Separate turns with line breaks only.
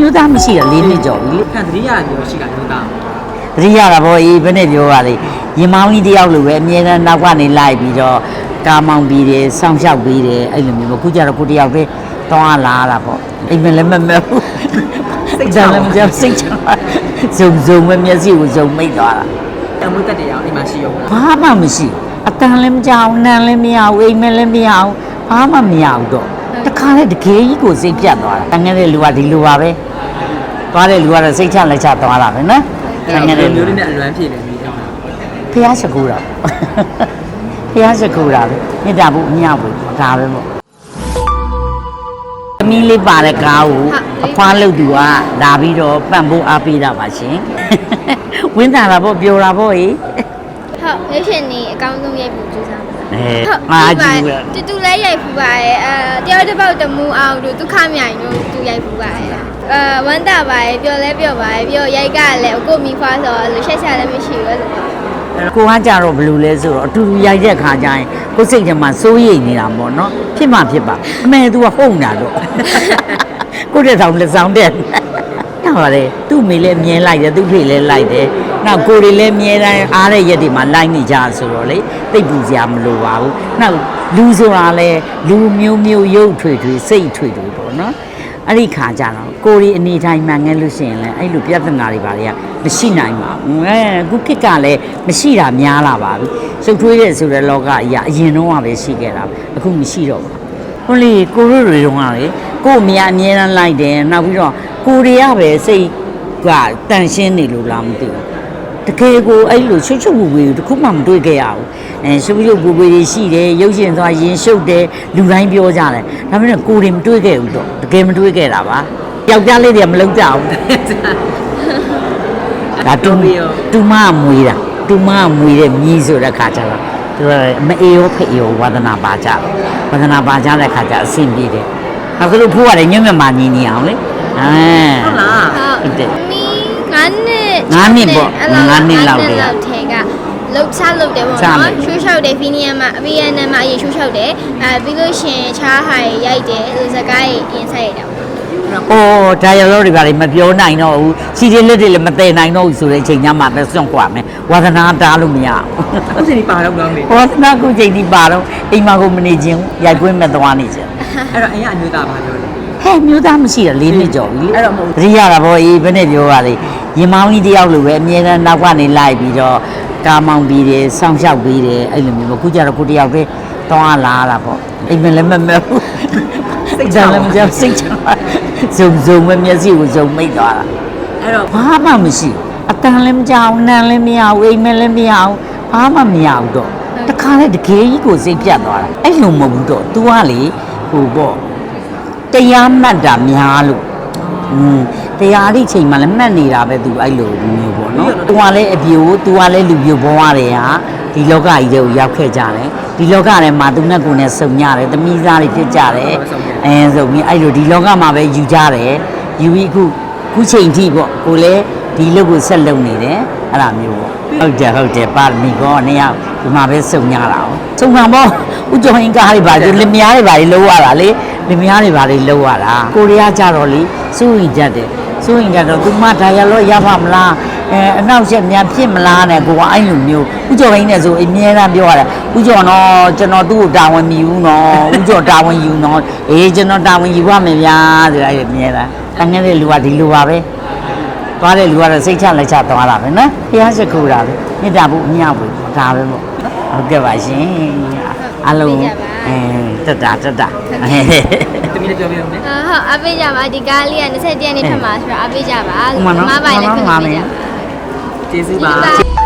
မျိုးသားမရှိတာ၄နှစ်ကျော်ပြီလေ
ခံသတိရပြောရှိတာမျိုးသား
တတိယတာဗောအေးဘယ်နဲ့ပြောပါလေရင်မောင်းကြီးတယောက်လိုပဲအမြဲတမ်းနောက်ကနေလိုက်ပြီးတော့ကားမောင်းပြီးတယ်စောင့်ရှောက်ပြီးတယ်အဲ့လိုမျိုးပေါ့ခုကျတော့ကိုတယောက်ပဲတောင်းလာတာပေါ့အိမ်မလည်းမမဲဘူးစိတ်ချလည်းမကြောက်စိတ်ချဇုံပဲမျက်စိကိုဇုံမိတ်သွားတာ
အမှုတက်တရားအိမ်မှာရှိရောလား
ဘာမှမရှိအတန်လည်းမကြောက်နံလည်းမရဘူးအိမ်မလည်းမရဘူးဘာမှမရဘူးတော့တခါလေတကယ်ကြီးကိုစိတ်ပြတ်သွားတာတငယ်တဲ့လူကဒီလိုပါပဲသွားတဲ့လူကတော့စိတ်ချလက်ချသွားတာပဲနော်တငယ်တဲ့လူ
မျိုးလေးနဲ့အလွမ်းဖြည့်တယ်ပြီးတော့
ဖះရှိခိုးတာဖះရှိခိုးတာပဲမြတ်တာဘူးအမြောက်ဘူးဒါပဲပေါ့သမီးလေးပါတဲ့ကားကိုအဖွားလုပ်သူကလာပြီးတော့ပန့်ဖို့အားပေးတာပါရှင်ဝင်းတာတာပေါ့ပြောတာပေါ့ဟေး
ဟုတ်ရွေးရှင်နေအကောင်းဆုံးရိုက်ဖို့ကြိုးစားပါ
အားကြီးပဲ
တူလည်းရိုက်ဖူးပါရဲ့တယောက်တစ်ပေါက်တမူအောင်တို့ဒုက္ခမြိုင်တို့တူရိုက်ဖူးပါရဲ့ဝမ်းတာပါရဲ့ပျော်လဲပျော်ပါရဲ့ပြီးတော့ရိုက်ကလည်းကိုမိဖွားဆိုတော့လို့ရှက်ရှာလည်းမရှိဘူးလို့
ကိုကကြတော့ဘယ်လိုလဲဆိုတော့အတူတူရိုက်တဲ့ခါကျရင်ကိုစိတ်ထဲမှာစိုးရိမ်နေတာပေါ့နော်ဖြစ်မှဖြစ်ပါအမေ तू ကဟုတ်တာတော့ကိုတဲ့ဆောင်လက်ဆောင်တဲ့နောက်ပါလေသူ့မိလည်းမြင်လိုက်တယ်သူ့ဖေလည်းလိုက်တယ်နောက်ကိုတွေလည်းမြင်တိုင်းအားတဲ့ရက်တွေမှာလိုက်နေကြဆိုတော့လေတိတ်ပူစရာမလိုပါဘူးနောက်လူဆိုတာလဲလူမျိုးမျိုးရုပ်ထွေထွေစိတ်ထွေထွေပေါ့နော်အဲ့ဒီခါကျတော့ကိုရီအနေတိုင်းမှငဲလို့ရှိရင်လည်းအဲ့လိုပြဿနာတွေပါတွေကမရှိနိုင်ပါဘူးအခုခေတ်ကလည်းမရှိတာများလာပါပြီစုပ်ထွေးတဲ့ဆိုတဲ့လောကအရာအရင်တော့ကပဲရှိခဲ့တာအခုမရှိတော့ဘူးဟုတ်လေကိုရီတွေတုန်းကလေကို့အမြအမြဲတမ်းလိုက်တယ်နောက်ပြီးတော့ကိုရီကပဲစိတ်ကတန်ရှင်းနေလို့လားမသိဘူးတကယ်ကိုအဲ့လိုချွတ်ချွတ်ဝူဝူတခုမှမတွေ့ခဲ့ရဘူးရှုပ်ရုပ်ပူပူတွေရှိတယ်ရုပ်ရှင်သွားရင်ရှုပ်တယ်လူတိုင်းပြောကြတယ်ဒါပေမဲ့ကိုရီမတွေ့ခဲ့ဘူးတော့တကယ်မတွေ့ခဲ့တာပါယောက်ျားလေးတွေကမလုပ်ကြဘူးဒါတူမမွေးတာတူမမွေးတဲ့မြည်ဆိုတဲ့ခါကျတော့သူကမအေးရောဖိအေးရောဝါသနာပါကြဝါသနာပါကြတဲ့ခါကျအဆင်ပြေတယ်အခုလို့ဖိုးရတယ်ညွန့်မြတ်မှညီနေအောင်လေ
ဟုတ်လား
ဟုတ်တယ်
မီ9
နှစ်ပေါ့9နှစ်လောက်တည်း
ထဲကလှုပ်ရှားလုပ်တယ်ပေါ့နော်ရှိုးလျှောက်တယ်ဖီနီယမ်မှာအဗီယန်နမ်မှာအရင်ရှိုးလျှောက်တယ်ပြီးလို့ရှင်ချားဟိုင်ရိုက်တယ်စကားရင်ဆိုင်ရတာပေါ့
အော်ဒါရလို့တွေပါလေမပြောနိုင်တော့ဘူးစီရီလက်တွေလည်းမတည်နိုင်တော့ဘူးဆိုတဲ့အချိန်ညမှာပဲစွန့်ခွာမယ်ဝါသနာတားလို့မရဘူး
အခုချိန်ဒီပါတော့ကောင်းနေ
ဝါသနာကိုချိန်ဒီပါတော့အိမ်မှာကိုမနေခြင်းရိုက်ကွင်းမဲ့သွားနေခြင်း
အဲ့တော့အိမ်ကအမျိုးသားပါပြောတယ်
ဟဲ့မျိုးသားမရှိတာ၄နှစ်ကျော်ပြီလေ
အဲ့တော့မဟုတ်
တတိယတာဗောအေးဘယ်နဲ့ပြောပါလေရင်မောင်းကြီးတယောက်လိုပဲအမြဲတမ်းနောက်ကနေလိုက်ပြီးတော့ကားမောင်းပြီးတယ်စောင့်ရှောက်ပြီးတယ်အဲ့လိုမျိုးပေါ့ခုကျတော့ကိုတယောက်ပဲတောင်းလာတာပေါ့အိမ်မလည်းမမဲဘူးစိတ်ချလည်းမကြောက်စိတ်ချဇုံပဲမျက်စိကိုဇုံမိတ်သွားတာ
အဲ့တော့
ဘာမှမရှိအတန်လည်းမကြောက်နံလည်းမရဘူးအိမ်မလည်းမရဘူးဘာမှမရဘူးတော့တခါလေတကယ်ကြီးကိုစိတ်ပြတ်သွားတာအဲ့လိုမဟုတ်ဘူးတော့ तू ကလေဟိုပေါ့တရားမှတ်တာများလို့တရားဒီချိန်မှလည်းမှတ်နေတာပဲ तू အဲ့လိုမျိုးပေါ့နော် तू ကလည်းအပြို तू ကလည်းလူပြိုဘဝတွေဟာဒီလောကကြီးတွေကိုရောက်ခဲ့ကြတယ်ဒီလောကထဲမှာသူနဲ့ကိုယ်နဲ့စုံကြတယ်သမီးသားတွေဖြစ်ကြတယ်ဆိုပြီးအဲ့လိုဒီလောကမှာပဲယူကြတယ်ယူပြီးခုချိန်ထိပေါ့ကိုလည်းဒီလုပ်ကိုဆက်လုပ်နေတယ်အဲ့လိုမျိုးပေါ့ဟုတ်တယ်ပါမီကောနှစ်ယောက်ဒီမှာပဲစုံကြတာ။စုံမှာပေါ့ဦးကျော်ဟင်းကားတွေပါလင်မယားတွေပါလေလုံးရတာလေလင်မယားတွေပါလေလုံးရတာကိုရီးယားကြတော့လေစိုးရင်ကြတယ်စိုးရင်ကြတော့သူမဒါရလို့ရပါမလားအနောက်ချက်များဖြစ်မလားနဲ့ကိုကအဲ့လိုမျိုးဦးကျော်ဟင်းနဲ့ဆိုအမြဲတမ်းပြောရတယ်ဦးကျော်တော့ကျွန်တော်သူ့ကိုတာဝန်မြည်ဘူးနော်ဦးကျော်တာဝန်ယူနော်အေးကျွန်တော်တာဝန်ယူရမယ်ဗျာဆိုတာအဲ့အမြဲတမ်းတငယ်တဲ့လူကဒီလိုပါပဲသွားတဲ့လူကတော့စိတ်ချလက်ချသွားတာပဲနော်ဖះရှိခိုးတာပဲမြတ်တာဘူးအမြောက်ဘူးဒါပဲပေါ့ဟုတ်ကဲ့ပါရှင်အားလုံးတက်တာ
တမီးလည်းပြောပြအောင်လေ
ဟုတ်အပေးကြပါဒီကားလေးက21ရက်နေ့ထပ်မှာဆိုတော့အပေးကြပါမမပိုင်လည်းခွင့်ပြုပေးကြပါ
ကျေးဇူးပါ